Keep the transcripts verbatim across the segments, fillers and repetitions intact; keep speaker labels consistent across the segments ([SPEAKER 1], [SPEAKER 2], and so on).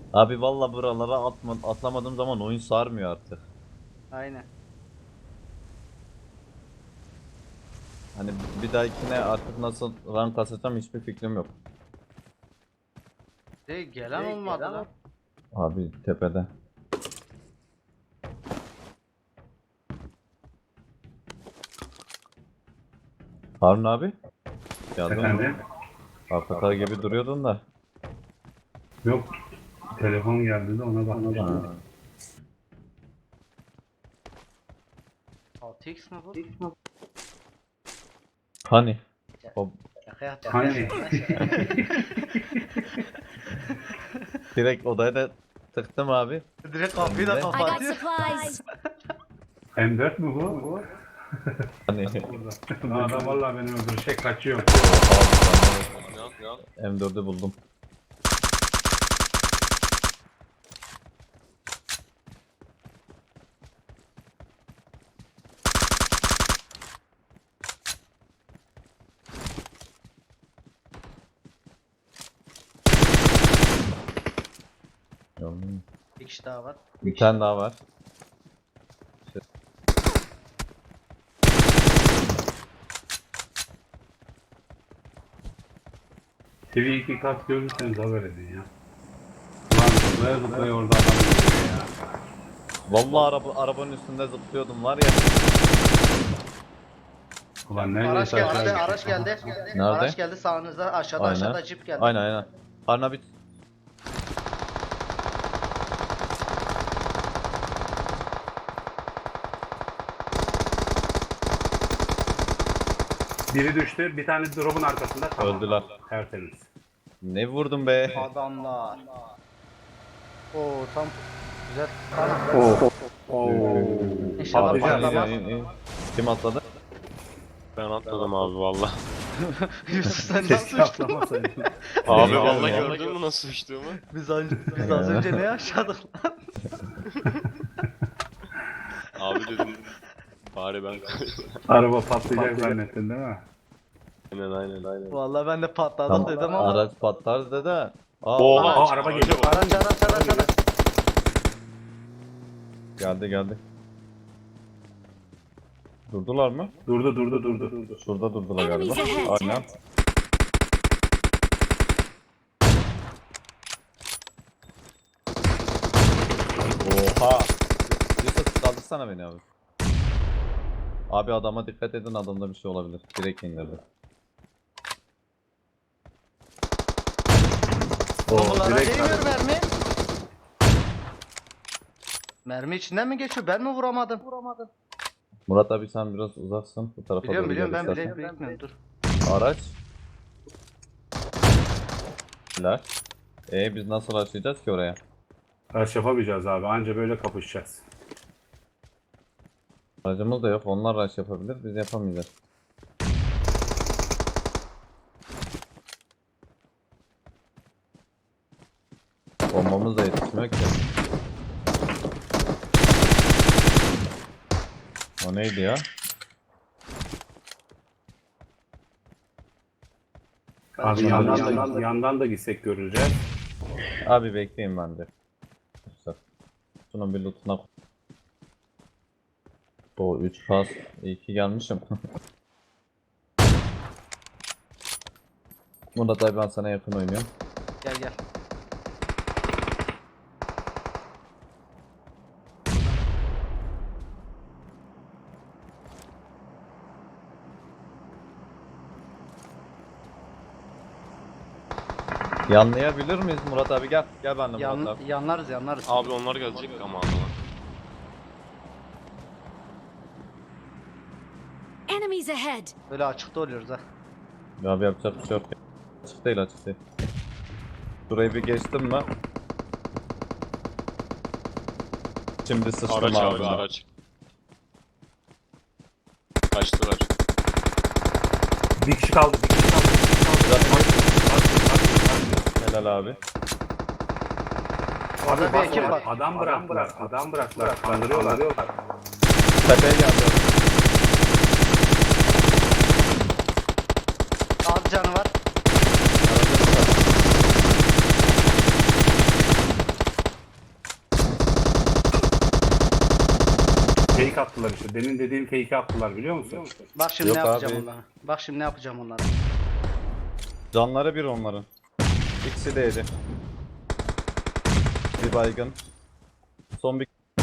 [SPEAKER 1] Abi valla buralara atma, atlamadığım zaman oyun sarmıyor artık.
[SPEAKER 2] Aynen.
[SPEAKER 1] Hani bir dahakine artık nasıl rank kasacağım hiçbir fikrim yok.
[SPEAKER 2] De gelen olmadı lan.
[SPEAKER 1] Abi tepede. Harun abi. Geldin mi?
[SPEAKER 3] Efendim?
[SPEAKER 1] Hakikaten gibi duruyordun da.
[SPEAKER 3] Yok. Telefon geldi de ona bakmıştım.
[SPEAKER 1] Ha.
[SPEAKER 2] altı x mi bu?
[SPEAKER 1] Hani? O
[SPEAKER 2] Şaka yaptım.
[SPEAKER 3] Hani?
[SPEAKER 1] direkt odaya da tıktım abi.
[SPEAKER 2] Direkt kapıyı da
[SPEAKER 1] I
[SPEAKER 4] I got
[SPEAKER 2] kapatıyor.
[SPEAKER 4] supplies.
[SPEAKER 3] M dört mü bu?
[SPEAKER 1] Hani
[SPEAKER 3] Burada. Adam vallahi beni öldürecek, kaçıyor.
[SPEAKER 1] M dördü buldum. Hmm.
[SPEAKER 2] Bir kişi daha var.
[SPEAKER 1] Bir tane daha var.
[SPEAKER 3] T V iki kat görürseniz haber edin ya. Ulan zıplaya zıplaya orada adam görüyor ya.
[SPEAKER 1] Vallahi araba arabanın üstünde zıplıyordum var ya.
[SPEAKER 3] Ulan
[SPEAKER 2] Araç
[SPEAKER 3] neredeyse
[SPEAKER 2] geldi,
[SPEAKER 3] aşağı
[SPEAKER 2] araç, araç
[SPEAKER 3] gittik.
[SPEAKER 2] geldi.
[SPEAKER 1] Nerede?
[SPEAKER 2] Araç geldi sağınızda, aşağıda
[SPEAKER 1] Aynen.
[SPEAKER 2] aşağıda cip geldi.
[SPEAKER 1] Aynen aynen. Harun abi
[SPEAKER 3] Biri düştü, bir tane drop'un arkasında. Tamam.
[SPEAKER 1] Öldüler.
[SPEAKER 3] Tertemiz.
[SPEAKER 1] ne vurdun be?
[SPEAKER 2] Adamlar. Oo tam güzel.
[SPEAKER 3] Oo. Oo.
[SPEAKER 2] İnşallah
[SPEAKER 1] Abi,
[SPEAKER 2] patlamaz.
[SPEAKER 1] in, in, in. Kim atladı?
[SPEAKER 5] Ben atladım abi valla.
[SPEAKER 2] Yusuf sen
[SPEAKER 3] Keşke
[SPEAKER 2] nasıl uçtun?
[SPEAKER 3] atlamasaydın.
[SPEAKER 5] Abi
[SPEAKER 1] Ya,
[SPEAKER 5] valla
[SPEAKER 1] ya.
[SPEAKER 5] gördün mü nasıl uçtuğumu?
[SPEAKER 2] Biz, az- biz az önce ne yaşadık lan?
[SPEAKER 5] Abi dedim bari ben
[SPEAKER 3] Araba patlayacak zannettin değil mi?
[SPEAKER 5] aynen aynen aynen.
[SPEAKER 2] Vallahi ben de patladık
[SPEAKER 1] Tam
[SPEAKER 2] dedim ama.
[SPEAKER 1] araç patlar dedi. Aa,
[SPEAKER 5] Oha!
[SPEAKER 3] Aa, araba geliyor.
[SPEAKER 2] Araç araç araç araç.
[SPEAKER 1] geldi geldi. Durdular mı?
[SPEAKER 3] Durdu durdu durdu. durdu.
[SPEAKER 1] Şurada durdular galiba.
[SPEAKER 4] Enemies ahead.
[SPEAKER 1] Aynen. Oha! Yusuf kaldırsana beni abi. Abi adama dikkat edin, adamda bir şey olabilir. Direkt indirdi.
[SPEAKER 3] Oo,
[SPEAKER 2] Bunlara
[SPEAKER 3] direkt
[SPEAKER 2] değmiyor mermi. Mermi içinden mi geçiyor? Ben mi vuramadım? Vuramadım.
[SPEAKER 1] Murat abi sen biraz uzaksın. Bu tarafa
[SPEAKER 2] Biliyorum
[SPEAKER 1] doğru
[SPEAKER 2] biliyorum
[SPEAKER 1] gel
[SPEAKER 2] ben
[SPEAKER 1] istersen.
[SPEAKER 2] bile bilmiyorum dur.
[SPEAKER 1] Araç. Helal. Ee biz nasıl açacağız ki oraya?
[SPEAKER 3] Araç yapamayacağız abi. Anca böyle kapışacağız.
[SPEAKER 1] Aracımız da yok. Onlar araç yapabilir. Biz yapamayacağız. Bombamız da yetişmiyor ki. O neydi ya?
[SPEAKER 3] Abi yandan da, yandan da gitsek göreceğiz.
[SPEAKER 1] Abi bekleyin ben de. Şunun bir lootuna. O üç pas. İyi ki gelmişim. Murat abi ben sana yakın oynuyorum.
[SPEAKER 2] Gel gel.
[SPEAKER 1] Yanlayabilir miyiz Murat abi? Gel. Gel benimle Murat
[SPEAKER 2] Yan,
[SPEAKER 1] abi.
[SPEAKER 2] yanlarız yanlarız.
[SPEAKER 5] Abi onlar gelecek ama adama.
[SPEAKER 4] Enemies ahead.
[SPEAKER 2] Böyle açıkta oluyoruz ha.
[SPEAKER 1] Ya abi yapacak bir şey yok. Açık değil açık değil. Şurayı bir geçtim mi? Şimdi sıçtım
[SPEAKER 5] Araç abi
[SPEAKER 1] ağzına.
[SPEAKER 5] araç. Kaçtılar.
[SPEAKER 3] Bir kişi kaldı. Bir kişi kaldı. Bir kişi kaldı.
[SPEAKER 1] Helal abi.
[SPEAKER 2] Orada bir ekip
[SPEAKER 3] Bak,
[SPEAKER 2] var.
[SPEAKER 3] Adam bıraktılar. Adam bıraktılar. Kandırıyorlar.
[SPEAKER 1] Tepeye geldi.
[SPEAKER 2] Az canı var.
[SPEAKER 3] attılar işte. Demin dediğim fake'i attılar biliyor musun?
[SPEAKER 2] Bak şimdi
[SPEAKER 1] Yok
[SPEAKER 2] ne yapacağım
[SPEAKER 1] abi.
[SPEAKER 2] onlara. Bak şimdi ne yapacağım onlara.
[SPEAKER 1] Canları bir onların. İkisi de yedi. Bir baygın. Son bir...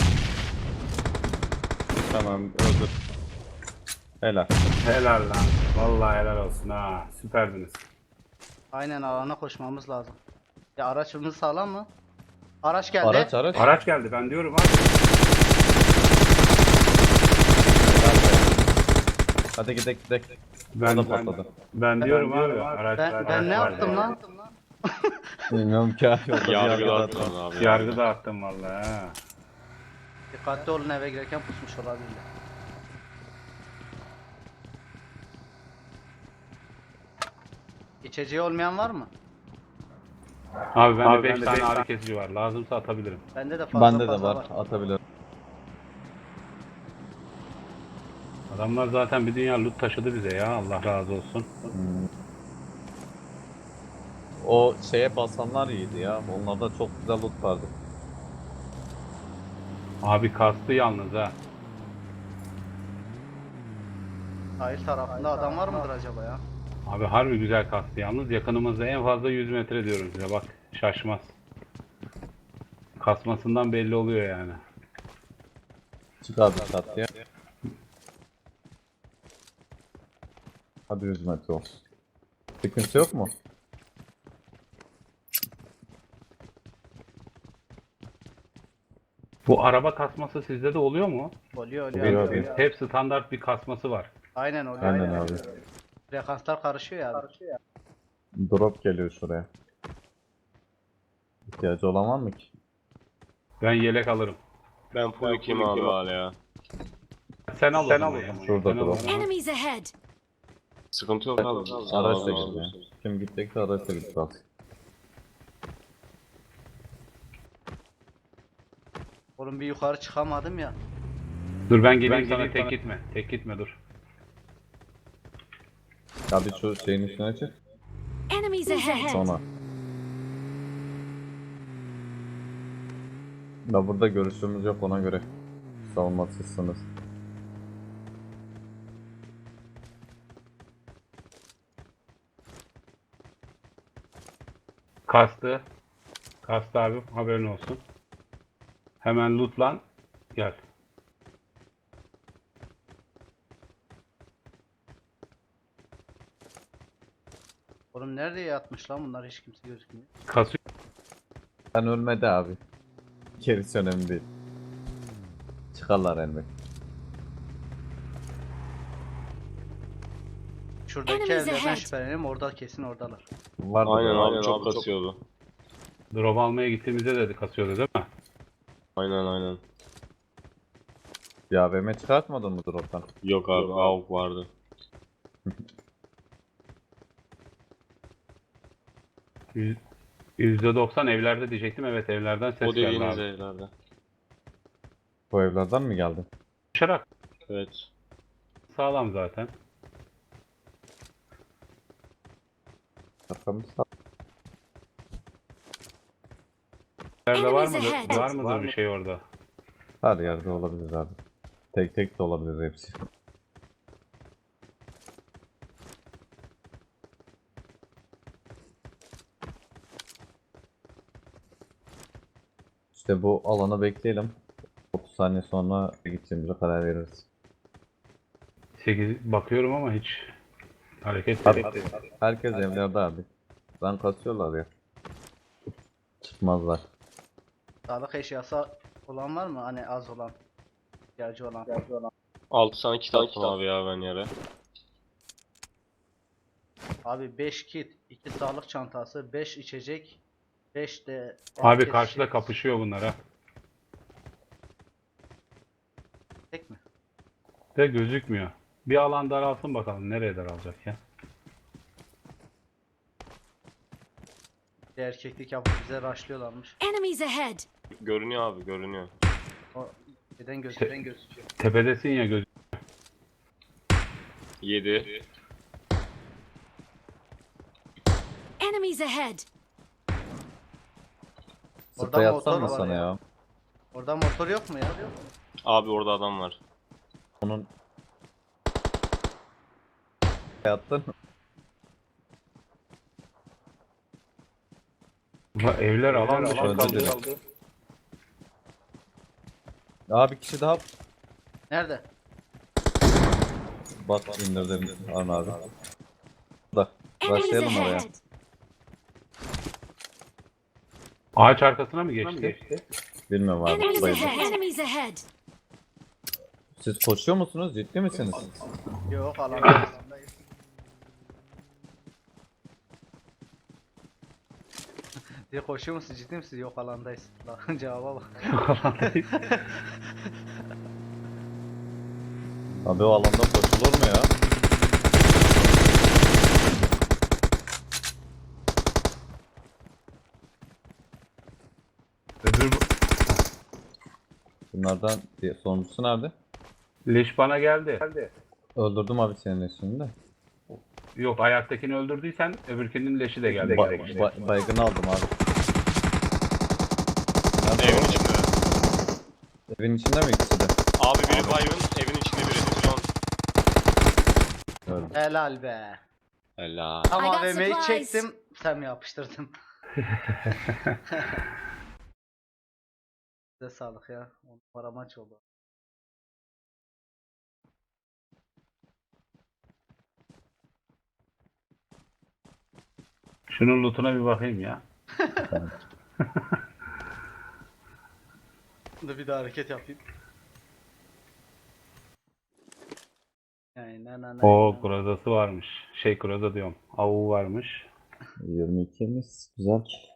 [SPEAKER 1] Tamam öldür. Helal.
[SPEAKER 3] Helal lan. Vallahi helal olsun ha. Süperdiniz.
[SPEAKER 2] Aynen alana koşmamız lazım. Ya araçımız sağlam mı? Araç geldi.
[SPEAKER 1] Araç araç.
[SPEAKER 3] Araç geldi ben diyorum abi.
[SPEAKER 1] Hadi gidelim gidelim.
[SPEAKER 3] Ben,
[SPEAKER 1] O da
[SPEAKER 3] ben,
[SPEAKER 1] patladı.
[SPEAKER 3] ben diyorum abi. Araç,
[SPEAKER 2] Ben,
[SPEAKER 3] araç
[SPEAKER 2] ben ne
[SPEAKER 3] var
[SPEAKER 2] yaptım
[SPEAKER 3] ya.
[SPEAKER 2] lan?
[SPEAKER 1] Bilmiyorum ki abi. Orada bir
[SPEAKER 5] Yargı
[SPEAKER 1] yargı
[SPEAKER 5] dağıttın
[SPEAKER 1] dağıttım.
[SPEAKER 5] abi.
[SPEAKER 3] Yargı dağıttım vallahi ha.
[SPEAKER 2] Dikkatli olun eve girerken pusmuş olabilirler. İçeceği olmayan var mı?
[SPEAKER 3] Abi bende
[SPEAKER 2] Abi
[SPEAKER 3] beş
[SPEAKER 2] bende
[SPEAKER 3] tane
[SPEAKER 2] beş
[SPEAKER 3] ağrı kesici var. Lazımsa atabilirim.
[SPEAKER 2] Bende de fazla
[SPEAKER 1] Bende de
[SPEAKER 2] fazla
[SPEAKER 1] var.
[SPEAKER 2] var.
[SPEAKER 1] Atabilirim.
[SPEAKER 3] Adamlar zaten bir dünya loot taşıdı bize ya. Allah razı olsun.
[SPEAKER 1] Hmm. O şeye basanlar iyiydi ya. Onlarda çok güzel loot vardı.
[SPEAKER 3] Abi kastı yalnız ha.
[SPEAKER 2] Sahil tarafında adam var mıdır acaba ya?
[SPEAKER 3] Abi harbi güzel kastı yalnız. Yakınımızda en fazla yüz metre diyorum size bak. Şaşmaz. Kasmasından belli oluyor yani.
[SPEAKER 1] Çık abi çatıya. Hadi yüz metre olsun. Sıkıntı yok mu?
[SPEAKER 3] Bu araba kasması sizde de oluyor mu?
[SPEAKER 2] Oluyor oluyor.
[SPEAKER 1] Oluyor
[SPEAKER 2] oluyor.
[SPEAKER 1] abi.
[SPEAKER 3] Hep standart bir kasması var.
[SPEAKER 2] Aynen oluyor.
[SPEAKER 1] Aynen abi.
[SPEAKER 2] Frekanslar karışıyor ya abi.
[SPEAKER 1] Drop geliyor şuraya. İhtiyacı olan var mı ki?
[SPEAKER 3] Ben yelek alırım.
[SPEAKER 5] Ben full ikiyim abi hala ya.
[SPEAKER 3] Sen al
[SPEAKER 2] Sen
[SPEAKER 3] o zaman
[SPEAKER 2] al o
[SPEAKER 3] ya.
[SPEAKER 1] zaman. Şurada
[SPEAKER 3] Sen al o
[SPEAKER 1] drop.
[SPEAKER 3] zaman.
[SPEAKER 4] Enemies ahead!
[SPEAKER 5] Sıkıntı yok abi.
[SPEAKER 1] Araçla gidiyor. Kim gidecekse araçla gidip alsın.
[SPEAKER 2] Oğlum bir yukarı çıkamadım ya.
[SPEAKER 3] Dur ben geleyim
[SPEAKER 2] Ben
[SPEAKER 3] sana
[SPEAKER 2] geleyim
[SPEAKER 3] tek
[SPEAKER 2] sana.
[SPEAKER 3] gitme. Tek gitme dur.
[SPEAKER 1] Abi şu şeyin üstüne çık.
[SPEAKER 4] Enemies ahead!
[SPEAKER 1] Sonra. Da burada görüşümüz yok ona göre. Savunmasızsınız.
[SPEAKER 3] Kastı. Kastı abi haberin olsun. Hemen lootlan. Gel.
[SPEAKER 2] Oğlum nerede yatmış lan bunlar hiç kimse gözükmüyor.
[SPEAKER 3] Kasıyor.
[SPEAKER 1] Ben ölmedi abi. Gerisi önemli değil. Çıkarlar elbet.
[SPEAKER 2] Şuradaki
[SPEAKER 4] Enemies
[SPEAKER 2] evlerden
[SPEAKER 4] ahead.
[SPEAKER 2] şüphelenim orada kesin oradalar.
[SPEAKER 1] Vardı
[SPEAKER 5] Aynen
[SPEAKER 1] da.
[SPEAKER 5] abi çok kasıyordu.
[SPEAKER 3] Drop almaya gittiğimizde de kasıyordu değil mi?
[SPEAKER 5] Aynen aynen.
[SPEAKER 1] Ya A V M çıkartmadın mı drop'tan?
[SPEAKER 5] Yok abi A W P vardı.
[SPEAKER 3] Yüz- yüzde doksan evlerde diyecektim. Evet evlerden ses
[SPEAKER 5] O
[SPEAKER 3] geldi
[SPEAKER 5] dediğiniz
[SPEAKER 3] abi.
[SPEAKER 5] evlerde.
[SPEAKER 1] Bu evlerden mi geldi?
[SPEAKER 3] Koşarak
[SPEAKER 5] Evet.
[SPEAKER 3] sağlam zaten.
[SPEAKER 1] Arkamız sağ.
[SPEAKER 3] Evlerde var
[SPEAKER 4] Enemies
[SPEAKER 3] mıdır?
[SPEAKER 4] ahead.
[SPEAKER 3] Var mıdır bir şey orada?
[SPEAKER 1] Her yerde olabilir abi. Tek tek de olabilir hepsi. İşte bu alanı bekleyelim. otuz saniye sonra gideceğimize karar veririz.
[SPEAKER 3] sekiz bakıyorum ama hiç hareket
[SPEAKER 1] Abi,
[SPEAKER 3] yok.
[SPEAKER 1] herkes evlerde abi. Ben kasıyorlar ya. Çıkmazlar.
[SPEAKER 2] Sağlık eşyası olan var mı? Hani az olan. İhtiyacı olan.
[SPEAKER 5] altı tane kit attım abi ya ben yere.
[SPEAKER 2] Abi beş kit, iki sağlık çantası, beş içecek, beş de...
[SPEAKER 3] Abi
[SPEAKER 2] herkes
[SPEAKER 3] karşıda
[SPEAKER 2] şey-
[SPEAKER 3] kapışıyor bunlar ha.
[SPEAKER 2] Tek mi?
[SPEAKER 3] De gözükmüyor. Bir alan daralsın bakalım nereye daralacak ya.
[SPEAKER 2] Bir erkeklik yapıp bize rushlıyorlarmış.
[SPEAKER 4] Enemies ahead!
[SPEAKER 5] Görünüyor abi görünüyor.
[SPEAKER 2] O neden gözüken gözüküyor.
[SPEAKER 3] Tepedesin ya göz.
[SPEAKER 5] yedi.
[SPEAKER 4] Enemies ahead!
[SPEAKER 2] Orada
[SPEAKER 1] Sprey
[SPEAKER 2] motor
[SPEAKER 1] atsam mı
[SPEAKER 2] var
[SPEAKER 1] sana
[SPEAKER 2] ya.
[SPEAKER 1] ya?
[SPEAKER 2] Orada motor yok mu ya?
[SPEAKER 5] Abi orada adam var.
[SPEAKER 1] Onun yattın.
[SPEAKER 3] Bu evler alan dışı
[SPEAKER 1] Öldü
[SPEAKER 3] kaldı.
[SPEAKER 1] direkt. Daha bir kişi daha
[SPEAKER 2] Nerede?
[SPEAKER 1] bak indirdim Arın abi. Da
[SPEAKER 4] Enemies
[SPEAKER 1] başlayalım oraya.
[SPEAKER 4] ahead.
[SPEAKER 3] Ağaç arkasına mı geçti?
[SPEAKER 1] Bilmiyorum abi.
[SPEAKER 4] Enemies
[SPEAKER 1] Bayıldım.
[SPEAKER 4] ahead. Enemies ahead.
[SPEAKER 1] Siz koşuyor musunuz? Ciddi misiniz?
[SPEAKER 2] Yok alandayız. Diye koşuyor musun, ciddi misin? Yok alandayız. Lan cevaba bak.
[SPEAKER 1] Abi o alanda koşulur mu ya?
[SPEAKER 3] Öbür
[SPEAKER 1] Bunlardan diye sonuncusu nerede?
[SPEAKER 3] leş bana geldi.
[SPEAKER 1] Öldürdüm abi senin eşini de.
[SPEAKER 3] Yok, ayaktakini öldürdüysen öbürkünün leşi de geldi.
[SPEAKER 1] Ba ba baygın aldım abi. Nerede
[SPEAKER 5] Evin
[SPEAKER 1] o?
[SPEAKER 5] içinde.
[SPEAKER 1] Evin içinde mi ikisi de?
[SPEAKER 5] Abi biri baygın, evin içinde biri. Son.
[SPEAKER 1] Öldü.
[SPEAKER 2] Helal be.
[SPEAKER 5] Helal.
[SPEAKER 2] Tam
[SPEAKER 4] I got
[SPEAKER 2] A V M'yi
[SPEAKER 4] supplies.
[SPEAKER 2] çektim, sen mi yapıştırdın? Size sağlık ya. On numara maç oldu.
[SPEAKER 3] Şunun lootuna bir bakayım ya.
[SPEAKER 2] Dur bir daha hareket yapayım. Aynen aynen.
[SPEAKER 3] O krozası varmış. Şey kroza diyorum. Avu varmış.
[SPEAKER 1] yirmi ikimiz güzel.